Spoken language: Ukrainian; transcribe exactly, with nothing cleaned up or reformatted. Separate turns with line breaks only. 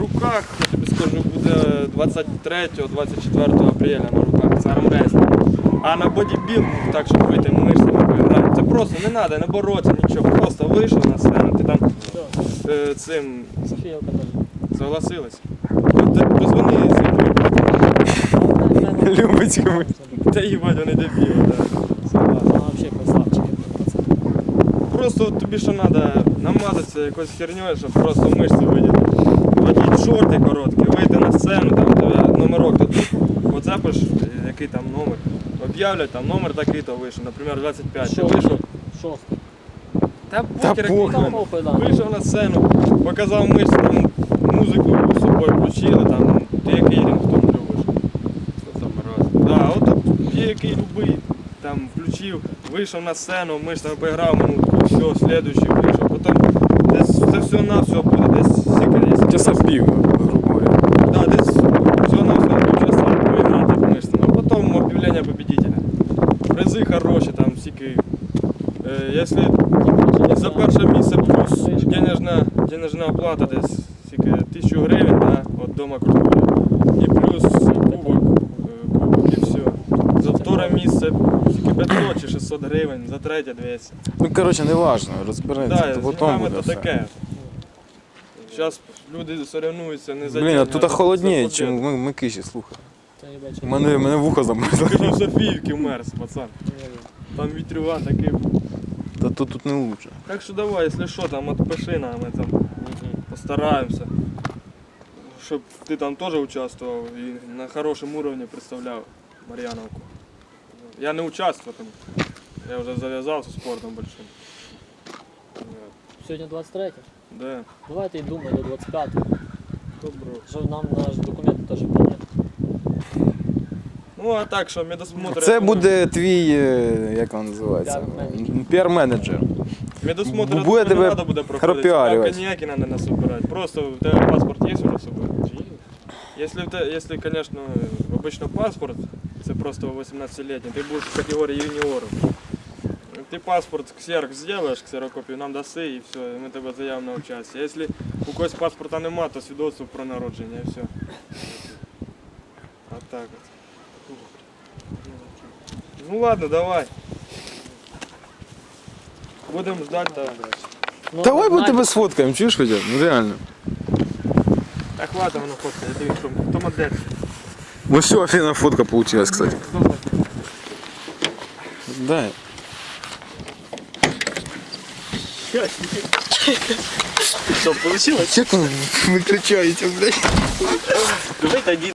руках, я тобі скажу, буде двадцять третього - двадцять четвертого апреля на руках, це армрестлінг. А на бодібілдинг, так, щоб вийти мишцями поіграти, це просто не треба, не боротися, нічого, просто вийшов на сцену, ти там е, цим
Софія Каталіна.
согласилась. Ти позвони Софії.
Любить йому.
Та їбать, вони дебіли, так.
Вона взагалі красавчики.
Просто тобі що треба намазатися якоюсь херньою, щоб просто мишці видіти. Одіть шорти короткі, вийти на сцену, там тебе номерок дадуть, поцепиш, який там номер. Об'являть, там номер такий-то вийшов, наприклад, двадцять п'ять. Ти вийшов.
Шостий.
Та
Та
похер, який
похер.
номер.
Похуй, да.
Вийшов на сцену, показав мишці, там музику з собою включили, там ти який рінгтон любиш.
Що там раз?
Да, от є який любий, там включив, вийшов на сцену, мишцями поіграв минутку, все, слідуючий вийшов. Потім десь це все на все буде, десь стільки, якщо
Часа пів, грубо говоря.
да, десь все на все часа поіграти мишцями. А потім об'явлення победителя. Призи хороші, там стільки. Е, якщо за перше місце плюс денежна, денежна оплата десь стільки тисячу гривень, да, від Дома культури. І плюс кубок, е, кубок і все. За вторе місце стільки п'ятсот чи шістсот гривень, за третє двісті.
Ну, коротше, не важно, розбереться,
Да,
то
з
потім
деньгами
буде
то
все.
таке. Зараз люди соревнуються не за
Блін, а
деньги,
тут
за
холодніє,
победу.
чим ми, ми киші, слухай.
Та їбать, що
У мене, мене вухо замерзло.
Скажи, в Софіївці мерз, пацан.
не вірю.
Там вітрюван такий.
Та тут, тут не лучше.
Так що давай, якщо що, там отпиши нам, ми там постараємося. Щоб ти там теж участвував і на хорошому рівні представляв Мар'яновку. Я не участвую там. Я вже зав'язався спортом большим.
Сьогодні двадцять третє.
Да.
Давайте й думай до двадцять п'ятого.
Добро.
Що нам наш документ теж прийняти.
Ну а так що, медосмотр.
Це
я думаю,
буде твій, е, як він називається?
Піар-менеджер.
Піар-менеджер.
Медосмотр
Бу-
я
буде
думаю,
тебе
не треба буде проходити.
пропіарювати.
Там коньяки треба не собирати. Просто у тебе паспорт є вже з собою? Если, в те- если, конечно, обычно паспорт, це просто вісімнадцятилітній, ти будеш в категорії юніорів. Ти паспорт ксерок зробиш, ксерокопію нам даси і все, і ми тебе заявимо на участь. Якщо у когось паспорта нема, то свідоцтво про народження і все. А так от. Ну ладно, давай. Будемо ждати. Та...
Ну,
Давай ми
знаєте,
тебе сфоткаємо, чуєш хоча б? Ну реально.
Так хватить воно фотка, я дивлюсь, що хто модель.
Ось все, офігенна фотка получилась, кстати. Дай.
Що, вийшло?
Як ви виключаєте, блядь?
Давай тоді.